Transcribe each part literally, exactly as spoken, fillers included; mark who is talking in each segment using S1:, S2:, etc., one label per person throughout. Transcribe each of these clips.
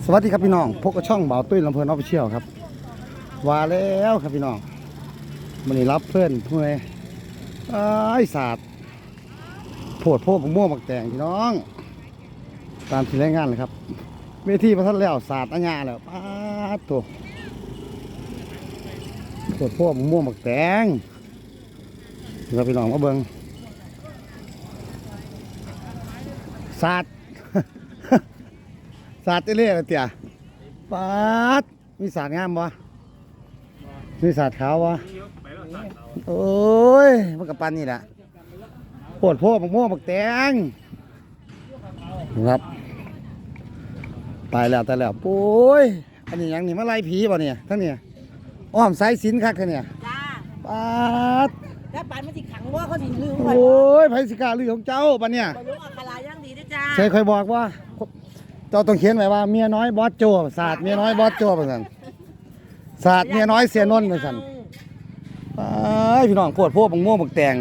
S1: สวัสดีครับพี่น้องพบกับช่องบ่าวตุ้ยลำเพลินออฟฟิเชียลครับว่าแล้วครับพี่น้องมันนี่รับเพื่อนเพื่อนไอ้ศาสตร์โผดโพกม่วงบักแตงพี่น้องตามที่รายงานเลยครับเวทีประทัดแล้วศาสตร์อัญญาแล้วป้าตัวโผดโพกม่วงบักแตงครับพี่น้องมาเบิ้งศาสตร์ ศาสตร์เรื่อยๆเตี่ยปาดมีศาสตร์งามบ่มีศาสตร์ขาวบ่โอ้ยมันกับปันนี่แหละโพดโพดบักม่วงบักแตงครับตายแล้วตายแล้วโอ้ยอันนี้ยังนี่มาไล่ผีบ่เนี่ยทั้งเนี่ยอ้อมสายสินคักเนี่ย
S2: จ้า
S1: ปาด
S2: แล้วปานมันสิขังว่าเขาสิลืม
S1: โอ้ยไผสิกล้าลือของเจ้าปะเนี่ย
S2: บรรลุอัคราย่างดีด้วยจ้า
S1: ใช่เคยบอกว่าเจ้าต้องเขียนไว้ว่าเมียน้อยบอสโจศาสตร์เมียน้อยบอสโจว่าซั่นศาสตร์เมียน้อยเสียนนท์ว่าซั่นไปพี่น้องโพดโพดบักม่วงบักแตง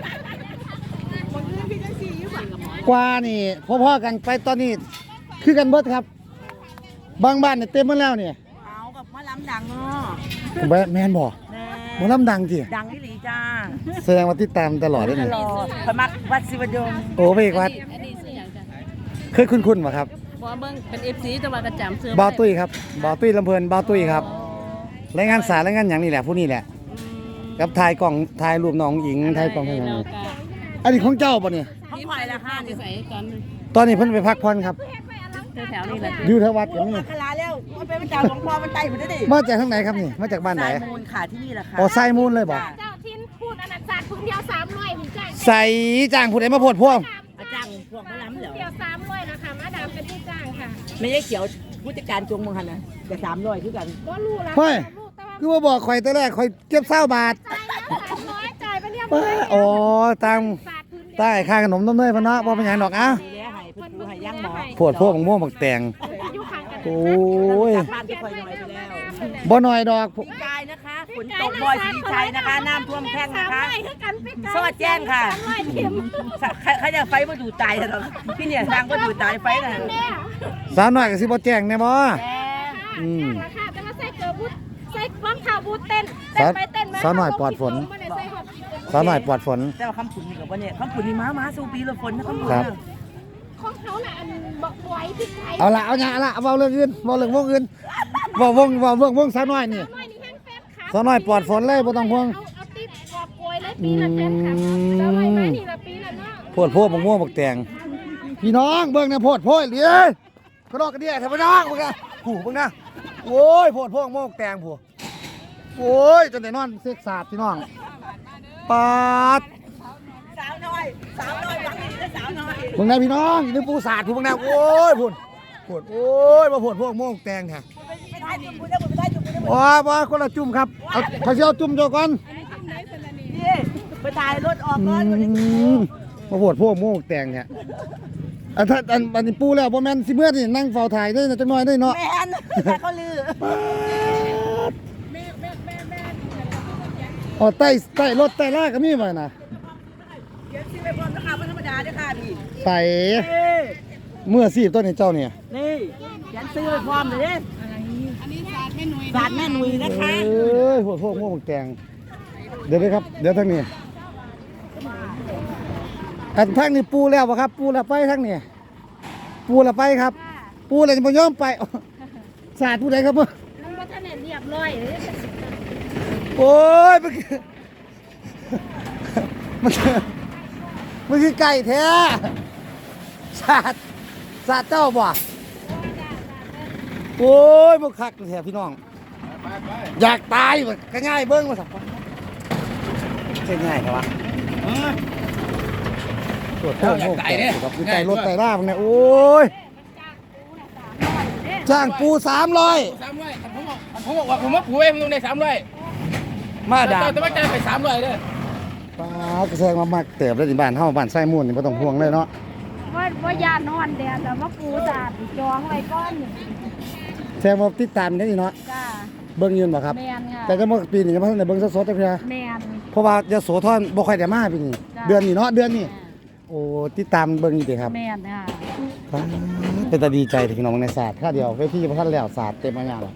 S1: กว่านี่พ่อๆกันไปตอนนี้คือกันเบิดครับบางบ้านเนี่ยเต็มหมดแล้วเนี่ย
S2: เอากับมะลำดังเนาะ
S1: แม่นบ่หมอลำดังจิ
S2: ดังอีหลีจ้า
S1: แสดงว่าติดตามตลอดเลยนี่
S2: ตลอดพมักวัดศิวดล
S1: โอ้ไปอีกวัดเคยคุ้นๆบ่ครับ
S3: บ่เบิ่งเป็น เอฟ ซี จังหวัดกระจำเสื้อ
S1: บ่าวตุ้ยครับบ่าวตุ้ยลำเพลินบ่าวตุ้ยครับรายงานสารรายงานหยังนี่แหละผู้นี้แหละกับถ่ายกล่องถ่ายรูปน้องหญิงถ่ายกล่องให้หยังนี่อันนี้ของเจ้าบ่เนี่ย
S2: เขาปล่อยละห้า
S3: จะใส่ตอน
S1: ตอนนี้เพิ่นไปพักผ่อนครับ
S3: แถวๆนี้แหละ
S1: อยู่แถววัดอย่างนี้
S2: อัคราแล้วมันเป็นพระเจ้าหลวงพ่อมันไต่ผมได้ดิ
S1: มาจากทางไหนครับนี่มาจากบ้านไหน
S2: สายมูลค่ะที่นี่แหละค่ะ
S1: อ๋อไซมูลเลยบ่
S4: เจ้าทินพูดอนันต์ศาสตร์พื้นเดียวสามร้อยผมจ้าง
S1: ใส่จ้างผู้ใดมาโพดพวง
S2: อาจารย์พวกมะลำเหรอ
S4: เดียวสามร้อยนะคะมาดามเป็นผู้จ้างค่ะ
S2: ไม่ใช่เขียวผู้จัดการจงมังหันนะแต่สามร้อยคือกัน
S4: ก็รู้แล้ว
S1: เฮ้ยคือว่าบอกข่อยแต่แรกข่อยเก็บเศร้าบาท
S4: จ่ายแล้วสามร้อยจ่ายไปเรียบร้อย
S1: อ๋อตามใต้ค่าขนมน้ำเนยพะเนาะบ่เป็นหยังดอกอ่ะ
S2: ดีแล้วให้เพิ่นดูให้ย่างหมอ
S1: โพดพวกบักม่วงบักแตงโอ้ย
S2: บ้านจะคอยหน่อยไปแล้ว
S1: บ่น้อยดอก
S2: พี่กายนะคะฝนตกบ่อยสีชัยนะคะน้ำท่วมแท่งนะคะสวัสดีแจ้งค่ะใครจะไฟมาดูตายเหรอพี่เนี่ยสร้างก็ดูตายไฟน่ะ
S1: สาวน้อยก็สิบ่แจ้งแน่บ่
S4: อืมค่ะแต่ว่าใส่เกลือบูทใส่รองเท้าบูทเต้นเต้นไปเต้นมา
S1: สาวน้อยปลอดฝนสาวน้อยปลอดฝน
S2: แต่ว่าคำผุนนี่กับว่าเนี่ยคำผุนนี่ม้าม้าสู้ปีละฝนนะคำผุน
S4: ของเขาน่ะอันบอกไว้พี่ไก่
S1: เอาละเอาหยาละเอาเว้าเรื่องอื่นเว้าเรื่องวงอื่นเว้าวงเว้าเรื่องวงสาวน้อยนี่สาวน้อยปลอดฝนเลยบ่ต้องห่วง
S4: เอาติ๊บกอบโกยเลยปีละแสนค่ะเอาไว้มานี่ละปีละเนาะ
S1: โพดโพดบักม่วงบักแตงพี่น้องเบิ่งนะโพดโพดเด้อกระดอกกระเดี่ยเถอะพี่น้องมึงอ่ะผู้เบิ่งนะโอ้ยโพดโพดม่วงบักแตงผู้โอ้ยจนได้นอนเสกสาดพี่น้องปาด
S2: สาวน้อยสาวน้อยหวังดีนะสาวน้อย
S1: เบิ่งนะพี่น้องนี่ปูสาดผู้เบิ่งนะโอ้ยพุ่นพุ่นโอ้ยมาโพดโพดม่วงบักแตงแท้
S2: ไม่ได้จุ่มกูได้ไม่ได้จุ่มกูได้
S1: อ๋อว่าคนละจุ่มครับเอาเขาสิเอาจุ่มโจก่อน
S2: นี่ไปถ่ายรถออกก่อน
S1: มาโพดโพดม่วงบักแตงเนี่ยอันถ้าอันอันนี้ปูแล้วบ่แม่นสิเมื่อนี่นั่งเฝ้าถ่ายได้จังน้อยได้เนาะ
S2: แม่นแต่เขาลือ
S1: อ๋อใต้ใต้รถใต้ลากก็มีบ่น่ะ
S2: เดี๋ยวสิไปพร้อมราคาบ่ธรรมดาเด้อค่ะพี่
S1: ใส่เมื่อสิตัวนี้เจ้าเนี่ย
S2: นี่เขียนซื้อไปพร้อมเลยเด้อันนี้ศาสตร์แม่หนุ่ยศาสตร์แม่หนุ่ยนะคะ
S1: เอ้ยพวกพวกพวกแกงเดี๋ยวครับเดี๋ยวทางนี้อันทางนี้ปูแล้วบ่ครับปูแล้วไปทางนี้ปูแล้วไปครับปูแล้วบ่ยอมไปศาสตร์ผู้ใดครับบ่
S4: มันบ่ทันได้เรียบร้อย
S1: โอ้ยมันมันมันคือไก่แท้ศาสตร์ศาสตร์เจ้าบ่โอ้ยมันคักแท้พี่น้องอยากตายมันก็ง่ายเบิ้งมาสักใช่ง่ายครับวะตรวจโทษโทษกับผู้ใจรถไต่ล่าพวกนี้โอ้ยจ้างปูสามร้อย
S5: สามร้อยผมบอกผมบอกว่าผมว่าปูเองลงในสามร้อย
S1: มาด่า
S5: แต่ว่าใจไปสามร้อยเลย
S1: ป้ากระแซงมามากเติบได้ที่บ้านเฮาบ้านไส้ม่วนนี่ไม่ต้องห่วงเลยเนาะ
S4: ว่าว่ายานอนแดดแต่ว่าปูสาดจองไว้ก้อน
S1: แซงมาติดตามได้ดีเนาะ
S4: จ้า
S1: เบิ้งยืนบ่ครับแต่จะเมื่อปีนี้จะมาในเบิ้งสดๆจังซี่
S4: แม่น
S1: เพราะว่าจะโสธรบ่ค่อยได้มาปีนี้เดือนนี้เนาะเดือนนี้โอ้ติดตามเบิ้งอยู่ติครับ
S4: แม่นค่ะ
S1: พี่เป็นตาดีใจที่พี่น้องในศาสตร์ค่าเดียวเวทีพระท่านแล้วศาสตร์เต็มมาอย่างเลย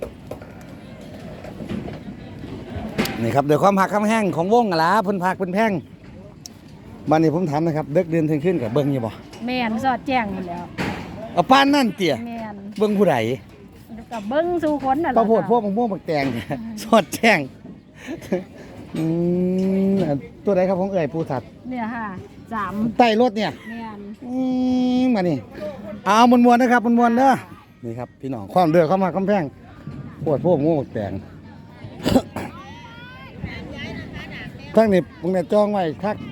S1: นี่ครับเดี๋ยวความหักความแห้งของวงอะล่ะเพิ่นพักเพิ่นแพงบ้านนี้ผมถามนะครับเด็กเดือนถึงขึ้นกับเบิ้งอยู่บ่
S4: แม่นสอดแจ้งหมดแล้ว
S1: เอาป้านนั่นเตี่ย
S4: แม่น
S1: เบิ้งผู้ใด
S4: กับเบิ้งสู่คนน่ะ
S1: ปลาโพดพวกมะม่วงบักแตง สอดแจ้งอืมอันตัวใดครับของเอ่ยปูถัด
S4: เนี่ยค่ะสาม
S1: ใต้รถเนี่ย
S4: แม่น
S1: อืมมานี่เอามวนๆนะครับมวนๆเด้อนี่ครับพี่น้องความเดือดเข้ามาคำแพงปวดพวกม่วงบักแตง ทั้งนี้พวกนี้จองไว้คัก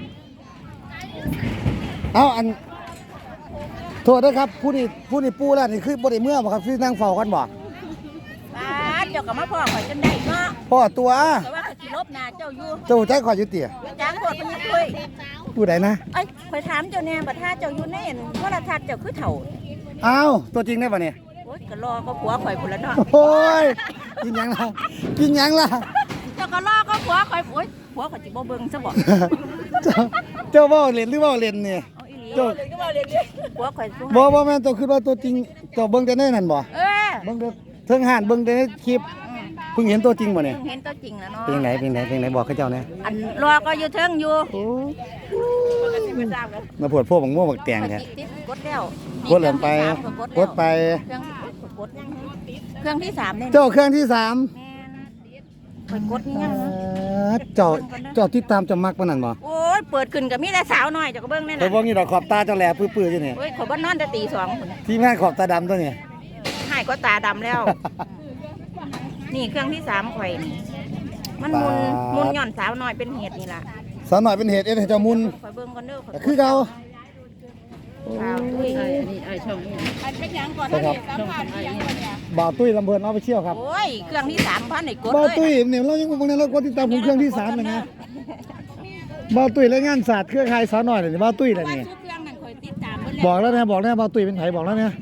S1: เอาอันโทษนะครับผู้นี้ผู้นี้ปูแล้วนี่คือบ่ได้เมื่อบ่ครับที่นั่งเฝ้ากันบ่
S2: บ้านเจ้าก็มาพ่อข่อยจนได้เนาะ
S1: พ่อตัว
S2: แต่ว่าข่อยสิลบหน้าเจ้าอยู่
S1: เจ้าใจขอยอยู่เตี่ย
S2: จ้างโคตรเพิ่นยังคุย
S1: ผู้ใดนะ
S2: เอ้ยข่อยถามเจ้าแน่บัดถ้าเจ้าอยู่ในโทรทัศน์เจ้าคือเฒ่า
S1: อ้าวตัวจริงได้ป่ะเนี่ย
S2: โอ๊ยก็รอก็ผัวข่อยพุ่นละเนาะ
S1: โอ้ยกินหยังล่ะกินหยังล่ะ
S2: เจ้าก็รอก็ผัวข่อยโอ๊ยผัวข่อยสิบ่เบิ่งซะบ่
S1: เจ้าเจ้าเว่าเล่นหรือเว่าเล่นเนี่ย
S2: เอาอีหลี
S1: เจ้า
S2: ก็บ่เรียนผัวข่อยสู้
S1: บ่บ่แม่นเจ้าคือว่าตัวจริงเจ้าเบิ่งแต่ในนั่นบ่
S2: เออ
S1: เบิ่งแต่เทิงห่านเบิ่งแต่ในคลิปเพิ่งเห็นตัวจริงบ่เนี่ย
S2: เพิ่งเห็นตัวจริงแล้วเนาะ
S1: เป็นไหนเป็นไหนเป็นไหนบอกเขาเจ้าแหน่
S2: อันรอก็อยู่เทิงอยู่
S1: มาปวดพวกบักม่วงบักแตง
S2: ข่อย
S1: แท้
S2: ติดติดกดแล้ว
S1: กดเล่นไปกดไป
S2: เครื่องที่สามเครื่องที่สามเนี่ย
S1: เจ้าเครื่องที่สาม
S2: แม่นข่อยกดนี่ยังนะ
S1: เจ้าเจ้าติดตามเจ้ามักปานนั้นบ่
S2: โอ้ยเปิดขึ้นก็มีแต่สาวน้อยเจ้าก็เบิ่งนั่น
S1: ไป
S2: น่ะ
S1: เบิ่งนี่ดอกขอบตาเจ้าแหลปื้อๆอยู่นี่
S2: โอ้ยข่อยบ่นอนแต่ตีสองพุ่น
S1: ทีมงานขอบตาดำตัวนี้
S2: หายก็ตาดำแล้ว นี่เครื่องที่สามข่อยนี่มันมุนมุนหย่อนสาวน้อยเป็นเหตุนี่ล่ะ
S1: สาวหน่อยเป็นเหตุเอ็ดให้เจ้ามุน
S2: ข่อยเบิ่งก่อนเด้อข่อย
S1: ก็คือเก่า
S2: สาวตุ้ย
S3: ไอ้อันนี้ไอ้ช่องนี้
S4: อันเป็นหยังก่อน
S1: นะครับ
S4: สัมภาษณ์อีหยังก่อนเนี่ย
S1: บ่าวตุ้ยลำเบินเอาไปเชี่ยวครับ
S2: โอ้ยเครื่องที่สามพันไอ้กด
S1: บ่าว
S2: เลย
S1: ตุ้ยเนี่ยเรายังบางในเราก็ติดตามผมเครื่องที่สามเลยนะบ่าวตุ้ยและงานศาสตร์เครือข่ายสาวหน่อยเลยบ่าวตุ้ยอะไร
S2: ว่า
S1: นี่
S2: ทุกเครื่องนั่นข่อยติดตามเบิ่ง
S1: บอกแล้วนะบอกแล้วบ่าวตุ้ยเป็นไผบอกแล้วเนี่ย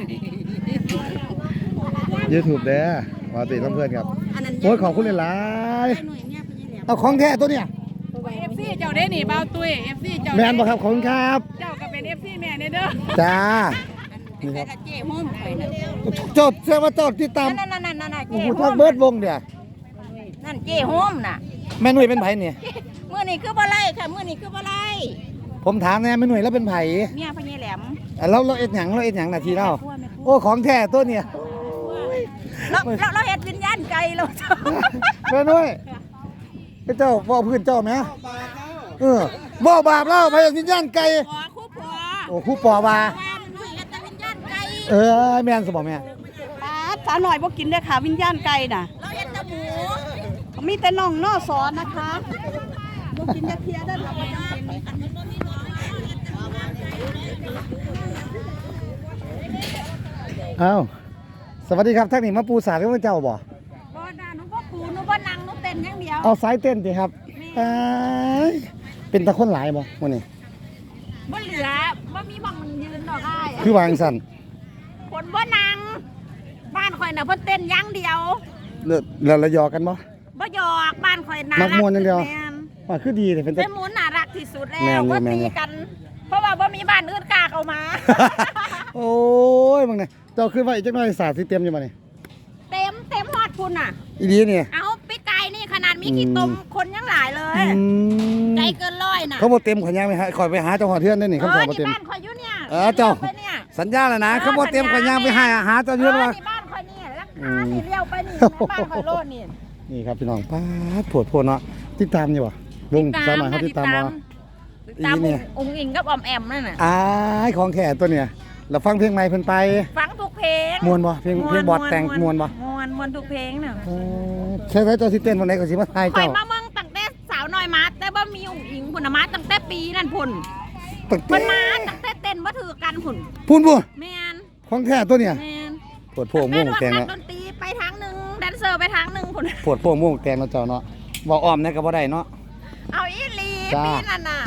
S1: YouTube เด้อบ่าวตุ้ยลำเบินครับ
S2: อันนั้น
S1: โอ้ยขอบคุณหลาย
S2: หน่วยเนี่ยเป็นยังไง
S1: ๆเอาของแท้ตัวเนี่ย
S4: เอฟซีเจ้าได้นี่เบาตุ้ยเอฟซีเจ้า
S1: แมนบ่ครับขอบคุณครับ
S4: เจ้าก็เป็นเอฟซีแม่เนี่ยเด้อ
S1: จ้า
S2: นี่ครับเจ้หุ้มข่อยนั่น
S1: เจ้าแสดงว่าเจ้าติดตาม
S2: นั่นนั่นนั่นนั่น
S1: โอ้
S2: เจ้
S1: โห
S2: หุ้
S1: ทัก
S2: ม
S1: เบิดวงเด้อ
S2: นั่นเจ้หุ้มน่ะ
S1: แม่หนุ่ยเป็นไผเนี่ย
S2: มื้อนี้คือบ่ไล่ค่ะมื้อนี้คือบ่ไล่
S1: ผมถามแน่แม่หนุ่ยแล้วเป็นไผ
S2: เมียพญาแหลม
S1: อ่ะแล้วเราเอ็ดหยังเราเอ็ดหยังนาทีเล่าโอ้ของแท้ตัวเนี่ย
S2: เราเราเราเฮ็ดวิญญาณไก่เรา
S1: แม่น้อยไอ้เจ้าว่าพื้นเจ้าไหมเออบ่บาปแล้วไปวิญญาณไก่
S2: ขอคู่ผัว
S1: โอ้ครูปอว่า
S2: แม่มันด้วยเฮ็ดแต่วิญญาณไก่
S1: เออแม่นสมองแม่
S3: ป้าสาวหน่อยบ่กินได้อค่ะวิญญาณไก่น่ะ
S2: เราเฮ็ดแต่หมู
S3: มีแต่น่องนอสอนนะคะบ่กินจะเพียได้อค่ะ
S1: เอ้าสวัสดีครับท่านนี่มาปูสาดกับเจ้าบ่
S4: บ่ด่าหนูบ่ปูหนูบ่นั่งหนูเต้นอย่างเดียว
S1: เอาสายเต้นสิครับเอ้ยเป็นตะคนหลายบ่มื้อนี้
S4: บ่เหลือบ่มีหม่องยืนดอกอ้าย
S1: คือวางสั่น
S4: คนบ่นั่งบ้านข่อยน่ะเพิ่นเต้นอย่างเดียว
S1: เลิศแล้วระยอกันบ่
S4: บ่หยอกบ้านข่อยน่า
S1: มั
S4: รั
S1: กม่วนอย่างเดียว
S4: แม่น
S1: ว่าคือดีเลยเป็นตะ
S4: เป็นหมูน่ารักที่สุดแล้
S1: แม่น
S4: ว
S1: อยู่
S4: บ่
S1: แม่น
S4: ตี
S1: อยู่
S4: กัน เพราะว่าบ่มีบ้านอื่นกล้าเข้ามา
S1: โอ้ยมึงเนี่ยเจ้าคือว่าอีกจักหน่อยสาดสิเต็มอยู่บ่นี่
S4: เต็มเต็มฮอดพุ่นน่ะ
S1: อีดีเนี่ย
S4: เอาปีกไก่นี่ขนาดมีขี้ตมคนยังหลายเลย
S1: อืม
S4: ใจเกินร้อยน่ะ
S1: เขาบ่เต็มขอยย่างไปหาขอยไปหาเจ้าหอเทือนได้นี่
S4: เอ
S1: คำสอ
S4: อบ
S1: บ่
S4: ที่
S1: เต็ม
S4: บ้านข่อยอยู่เนี่ย
S1: เออเจ้า
S4: ไปเนี่ย
S1: สัญญาแล้วนะเขาบ่เต็มขอยย่างไปหาหาเจ้า
S4: เอ
S1: เทือน
S4: อ
S1: ว่า
S4: ที่บ้านข่อยเนี่ยราคานี่เลี้ยวไปนี่บ้านข่อยโลดนี่
S1: นี่ครับพี่น้องป้าดโผดโพดเนาะติดตามอยู่บ่วงสาวหน่อยเขาติดตามบ่
S4: ติดตาม
S1: อีเนี่ย
S4: องค์อิงกับออมแอมนั่นน่ะ
S1: อ้ายของแค่ตัวเนี่ยเราฟังเพลงใหม่เพิ่นไป
S4: ฟังทุกเพลง
S1: ม่วนบ่เพลงเพลงบอดแต่งม่วนบ่
S4: ม่วนม่วนทุกเพลงน่ะ
S1: เออใช่ๆเจ้าสิเต้นวันไหนก็สิมาทาย
S4: ข่อย
S1: เจ้า
S4: มาเมืองตั้งแต่สาวน้อยมาแต่บ่มีองค์อิงพุ่นน่ะมาตั้งแต่ปีนั่นพุ่น
S1: ตั้ง
S4: เพิ่น
S1: แต่
S4: มาตั้งแต่เต้นบ่ถือกันพุ่น
S1: พูนบ่
S4: แม่น
S1: ของแค่ตัวเนี่ย
S4: แม่น
S1: ปวดโพวกม่วงแตง
S4: นั
S1: เนาะ
S4: ดนตรีไปทางหนึงแดนเซอร์ไปทางหนึงพุ่น
S1: ปวดโพวกม่วงแตงเนาะเจ้าเนาะบ่อ้อมเนี่ยก็บ่ได้เนาะ
S4: เอาอีหลี
S1: จ้า
S4: ปีนั่นน่ะ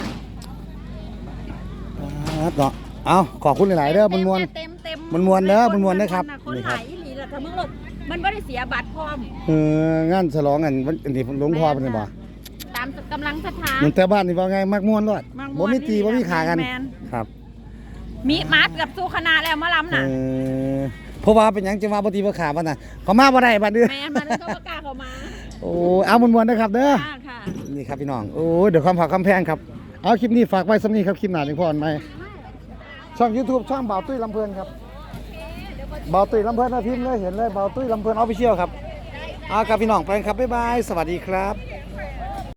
S1: ป๊าดเนาะเอาขอบคุณหลายๆเด้อมันม่วน
S4: เต็มเต็ม
S1: มันม่วนเด้อมันม่วนเด้อครับ
S4: คน
S1: นี่
S4: ห
S1: ครับ
S4: ลายอีหลีแล้วถ้ามึงหลดมันบ่ได้เสียบัตรพร้อม
S1: เอองานฉลองกันวันอันนี้หลวงพ่อเพิ่นนี่บ่
S4: ตามกำลังศรัทธา
S1: มันแต่บ้านนี่ว่าไงมักม่วนรอด
S4: มัก
S1: บ่มีตีบ่มีขากัน
S4: แม่น
S1: ครับ
S4: มีมาเกือบสู้คณะแล้วมาล้ำ
S1: เอ
S4: น่ะ
S1: อเพราะว่าเป็นหยังจะมาบ่ตีบ่ขาบัดน่ะเขามาบ่ได้บัดเด้อ
S4: แม่มันก็ประกล้าศเขามา
S1: โอ้เอามวนๆนะครับเด้อ
S4: ค่ะค่ะ
S1: นี่ครับพี่น้องโอ้ยเดี๋ยวความผักความแพงครับเอาคลิปนี้ฝากไว้สำนี้ครับคลิปหน้าถึงพ่ออันใหม่ช่อง YouTube ช่องบ่าวตุ้ยลำเพลินครับบ่าวตุ้ยลำเพลินนะพิมพ์เลยเห็นเลยบ่าวตุ้ยลำเพลินออฟฟิเชียลครับเอาครับพี่น้องไปครับบ๊ายบายสวัสดีครับ